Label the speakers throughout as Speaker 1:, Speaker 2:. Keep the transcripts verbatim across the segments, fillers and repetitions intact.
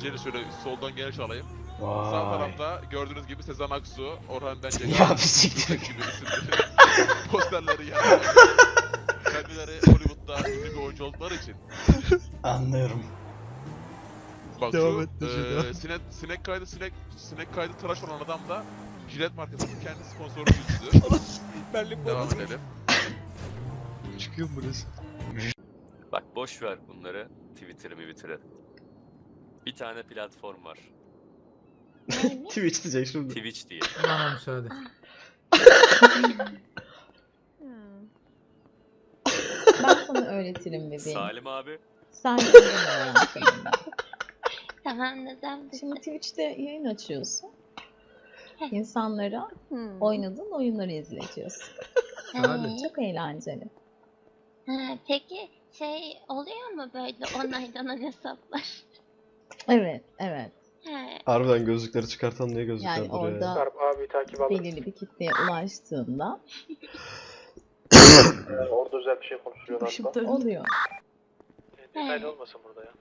Speaker 1: İçeri şöyle soldan geniş alayım.
Speaker 2: Vay.
Speaker 1: Sağ tarafta gördüğünüz gibi Sezen Aksu, Orhan Bence
Speaker 2: Ya bir siktir.
Speaker 1: gibi isimleri posterleri yani. Kendileri Hollywood'da ünlü bir oyuncu oldukları için.
Speaker 2: Anlıyorum.
Speaker 1: Bak
Speaker 3: Devam
Speaker 1: şu
Speaker 3: et de şöyle.
Speaker 1: e, sinek, sinek kaydı sinek sinek kaydı tıraş olan adam da Jilet markasının kendi sponsoru yüzüdür.
Speaker 3: Berlin
Speaker 1: Devam edelim.
Speaker 3: Çıkıyor mu burası?
Speaker 4: Bak boş ver bunları. Twitter'ı Twitter'ı. Bir tane platform var.
Speaker 2: Twitch diyecek şimdi.
Speaker 4: Twitch diye.
Speaker 5: Bana müsaade.
Speaker 6: Ben sana öğretirim bebeğim.
Speaker 4: Salim abi.
Speaker 6: Sen de öğrensin.
Speaker 7: Tamam neden?
Speaker 6: Şimdi Twitch'te yayın açıyorsun. İnsanlara
Speaker 7: Hmm.
Speaker 6: oynadığın oyunları izletiyorsun.
Speaker 7: Evet.
Speaker 6: Çok eğlenceli.
Speaker 7: Ha, peki şey oluyor mu böyle onaylanan hesaplar?
Speaker 6: Evet, evet.
Speaker 7: Ha,
Speaker 2: Harbiden gözlükleri çıkartan niye gözlükler
Speaker 6: Yani
Speaker 2: duruyor ya?
Speaker 6: orada
Speaker 8: Abi takip alır.
Speaker 6: belirli bir kitleye ulaştığında
Speaker 8: Yani orada özel bir şey konuşuluyor hatta.
Speaker 6: oluyor.
Speaker 8: Detaylı olmasın burada ya.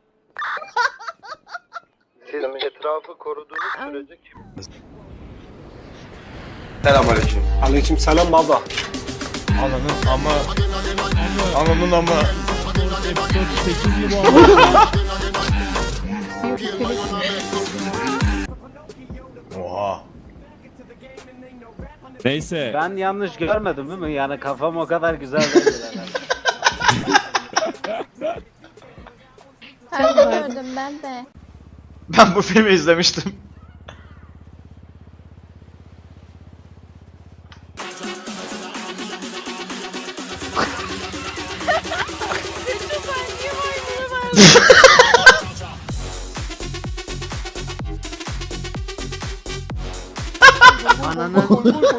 Speaker 8: Siz etrafı koruduğunuz sürece kim?
Speaker 9: Selamünaleyküm.
Speaker 8: Aleyküm selam baba.
Speaker 3: Ananın ama... Ananın ama...
Speaker 2: Oha.
Speaker 10: Neyse.
Speaker 11: Ben yanlış görmedim değil mi? Yani kafam o kadar güzel değil herhalde.
Speaker 7: ben de gördüm ben de.
Speaker 2: Ben bu filmi izlemiştim.
Speaker 11: Ananı.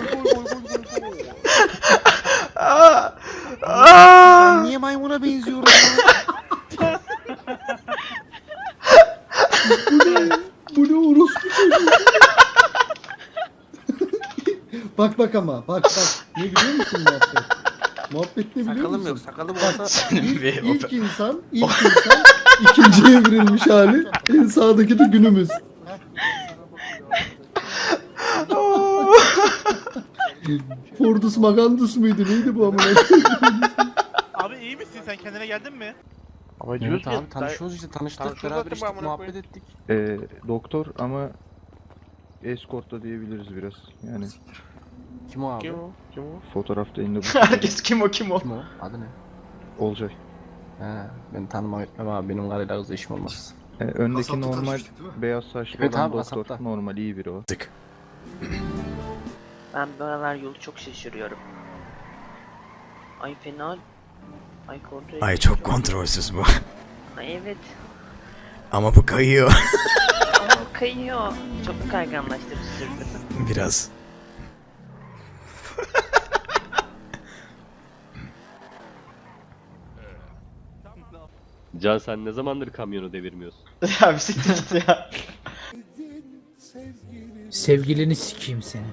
Speaker 2: Aa! Aa!
Speaker 3: Niye maymuna benziyorum?
Speaker 5: Bu ne orospu çocuğu? Bak bak ama bak bak. Ne biliyor musun muhabbet? Muhabbet ne biliyor
Speaker 9: Sakalım
Speaker 5: musun?
Speaker 9: yok, sakalım
Speaker 5: Bak,
Speaker 9: olsa
Speaker 2: Senin
Speaker 5: ilk,
Speaker 2: bir
Speaker 5: ilk insan, ilk insan ikinciye evrilmiş hali. En sağdaki de günümüz. Fordus Magandus muydu? Neydi bu amına?
Speaker 8: Abi iyi misin sen kendine geldin mi?
Speaker 9: Ama evet abi tanışıyoruz işte tanıştık beraber işte muhabbet ettik.
Speaker 12: Ee, doktor ama eskortta diyebiliriz biraz. Yani
Speaker 9: Kim o abi? Kim o? Kim o?
Speaker 12: fotoğrafta elinde bu.
Speaker 2: Herkes kim o kim o?
Speaker 9: Kim o? Adı ne?
Speaker 12: Olacak.
Speaker 9: He, ben tanımam etmem abi benim karıyla kızla işim olmaz.
Speaker 12: Ee, öndeki normal beyaz saçlı
Speaker 9: Evet
Speaker 12: olan
Speaker 9: abi,
Speaker 12: doktor.
Speaker 9: Asap'ta.
Speaker 12: Normal iyi biri o.
Speaker 11: Ben bu aralar yolu çok şaşırıyorum. Ay fena. Ay kontrol.
Speaker 10: Ay çok kontrolsüz bu.
Speaker 11: Ay evet.
Speaker 10: Ama bu kayıyor.
Speaker 11: Ama kayıyor. Çok kayganlaştı bir sürü.
Speaker 10: Biraz.
Speaker 4: Can sen ne zamandır kamyonu devirmiyorsun?
Speaker 2: Ya bir siktir git ya.
Speaker 5: Sevgilini sikeyim seni.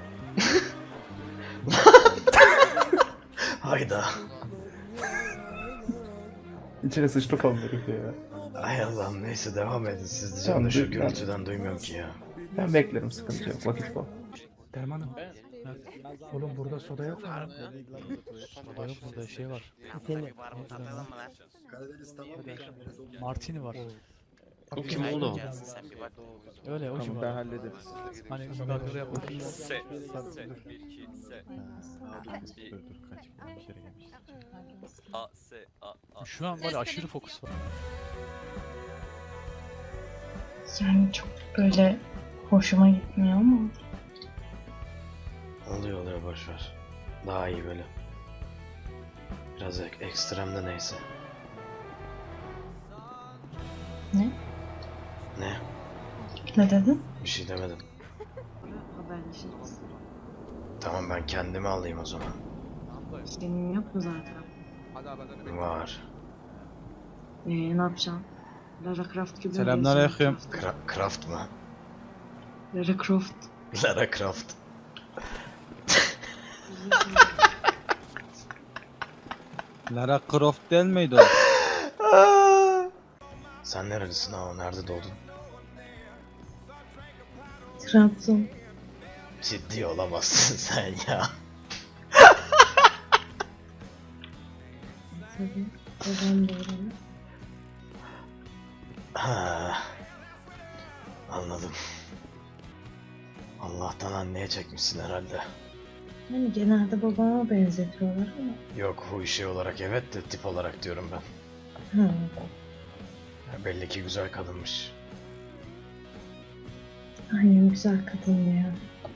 Speaker 2: Hayda.
Speaker 9: İçine sıçtı falan herif ya.
Speaker 2: Ay Allah'ım neyse devam edin siz diyeceğim
Speaker 9: Tamam,
Speaker 2: de şu
Speaker 9: dur,
Speaker 2: gürültüden duymuyorum ki ya.
Speaker 9: Ben beklerim sıkıntı yok vakit bol.
Speaker 5: Dermanım. Oğlum burada soda yok mu? Soda yok burada şey var. Martini var.
Speaker 4: O kim oğlum?
Speaker 5: Öyle o
Speaker 12: Tamam ben hallederim.
Speaker 5: Hani ızgarları yapmak.
Speaker 4: Se. Se. Bir iki se.
Speaker 12: Dur dur kaç bir kere gelmiş.
Speaker 4: A se a a.
Speaker 5: Şu an var aşırı fokus var.
Speaker 7: Yani çok böyle hoşuma gitmiyor ama.
Speaker 2: Oluyor oluyor boşver. Daha iyi böyle. Biraz ek ekstrem de neyse.
Speaker 7: Ne?
Speaker 2: Ne?
Speaker 7: Ne dedin?
Speaker 2: Bir şey demedim. Tamam ben kendimi alayım o zaman.
Speaker 7: Senin yok mu zaten?
Speaker 2: Var.
Speaker 7: Ee, ne yapacaksın? Lara Croft gibi.
Speaker 3: Selamünaleyküm.
Speaker 2: Kra Craft mı?
Speaker 7: Lara Croft.
Speaker 2: Lara Croft.
Speaker 3: Lara Croft değil miydi o?
Speaker 2: Sen nerelisin ha? Nerede doğdun?
Speaker 6: Trabzon.
Speaker 2: Ciddi olamazsın sen ya.
Speaker 6: Tabii. Babam da oralı.
Speaker 2: Ha, anladım. Allah'tan anneye çekmişsin herhalde.
Speaker 6: Hani genelde babama benzetiyorlar ama.
Speaker 2: Yok, huy şey olarak evet de tip olarak diyorum ben.
Speaker 6: Ha.
Speaker 2: Ya belli ki güzel kadınmış.
Speaker 6: Annem güzel kadındı ya.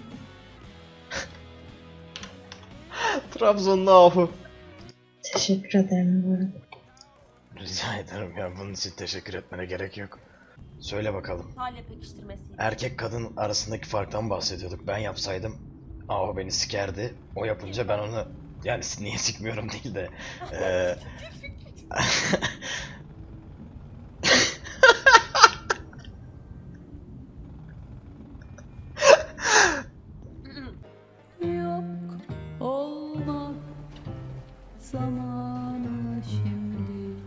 Speaker 2: Trabzonlu ahu.
Speaker 6: Teşekkür ederim bu arada.
Speaker 2: Rica ederim ya, bunun için teşekkür etmene gerek yok. Söyle bakalım.
Speaker 7: Hale pekiştirmesi.
Speaker 2: Erkek kadın arasındaki farktan bahsediyorduk. Ben yapsaydım ahu beni sikerdi. O yapınca ben onu, yani niye sikmiyorum değil de. eee
Speaker 7: Yok olmak zamanı şimdi.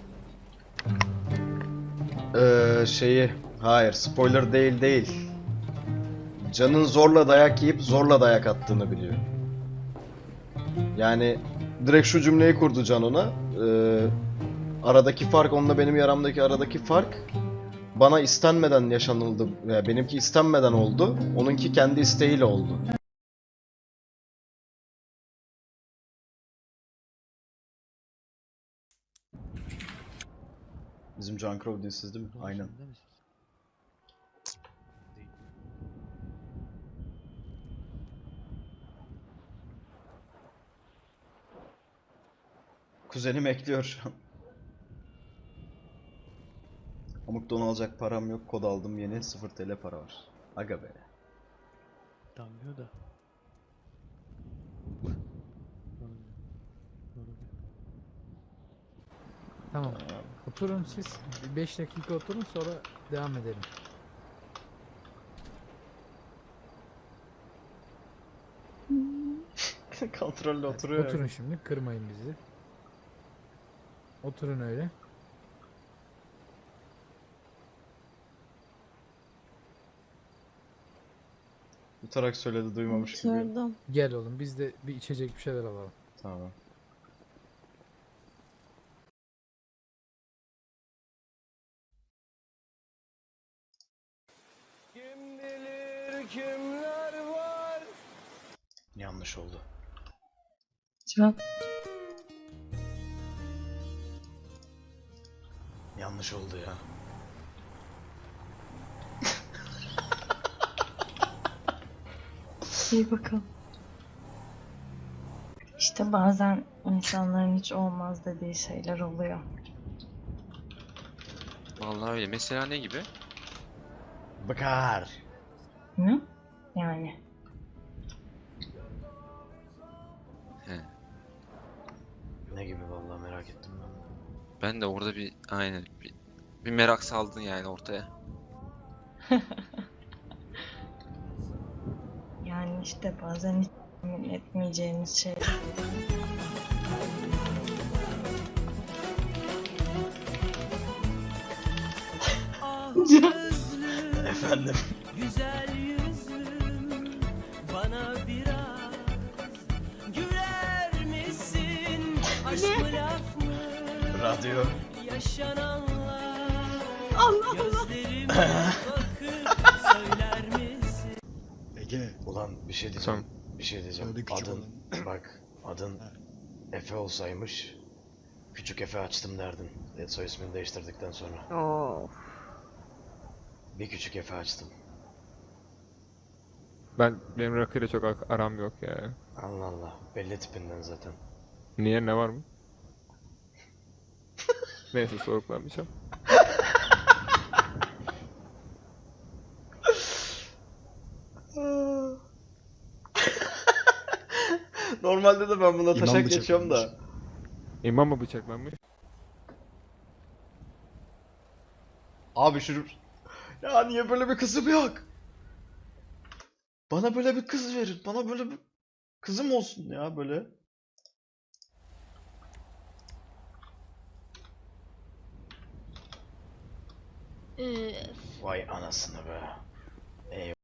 Speaker 2: Eee şeyi, hayır spoiler değil değil. Can'ın zorla dayak yiyip zorla dayak attığını biliyor. Yani direkt şu cümleyi kurdu Can ona. Eee, aradaki fark, onunla benim yaramdaki aradaki fark bana istenmeden yaşanıldı. Yani benimki istenmeden oldu. Onunki kendi isteğiyle oldu. Bizim John Crow dizisiz değil mi? Aynen. Kuzenim ekliyor şu an. Amuk don alacak param yok, kod aldım yeni, sıfır TL para var. Aga be.
Speaker 5: Damlıyor da. Tamam. Oturun siz. beş dakika oturun, sonra devam edelim.
Speaker 2: Kontrolle oturuyor.
Speaker 5: Oturun şimdi, kırmayın bizi. Oturun öyle.
Speaker 2: Yutarak söyledi, duymamış gibi.
Speaker 6: Oturdum.
Speaker 5: Gel oğlum, biz de bir içecek bir şeyler alalım.
Speaker 2: Tamam.
Speaker 3: Kim bilir kimler var.
Speaker 2: Yanlış oldu.
Speaker 6: Cevap.
Speaker 2: Yanlış oldu ya.
Speaker 6: İyi bakalım. İşte bazen insanların hiç olmaz dediği şeyler oluyor.
Speaker 4: Vallahi öyle. Mesela ne gibi?
Speaker 2: Bakar.
Speaker 6: Ne? Yani.
Speaker 4: He.
Speaker 2: Ne gibi vallahi, merak ettim ben.
Speaker 4: Ben de orada bir aynen bir, bir merak saldın yani ortaya.
Speaker 6: Yani işte bazen hiç tahmin etmeyeceğimiz şeyler.
Speaker 2: Efendim.
Speaker 3: Güzel yüzlüm, bana biraz güler misin? Aşk mı laf mı?
Speaker 2: Radyo.
Speaker 3: Yaşananlar.
Speaker 6: Allah Allah.
Speaker 3: Gözlerime bakıp söyler misin?
Speaker 2: Ege. Ulan bir şey diyeceğim. Bir şey diyeceğim. Adın bak, adın Efe olsaymış küçük Efe açtım derdin. E, soy ismini değiştirdikten sonra.
Speaker 6: Oo.
Speaker 2: Bir küçük Efe açtım.
Speaker 12: Ben benim rakıyla çok aram yok ya.
Speaker 2: Allah Allah. Belli tipinden zaten.
Speaker 12: Niye, ne var mı? Neyse, soğuklanmayacağım.
Speaker 2: Normalde de ben buna taşak geçiyorum da.
Speaker 12: İmam mı bıçaklanmış?
Speaker 2: Abi şu... Ya niye böyle bir kızım yok? Bana böyle bir kız verin. Bana böyle bir kızım olsun ya böyle.
Speaker 7: Üf.
Speaker 2: Vay anasını be. Eyvah.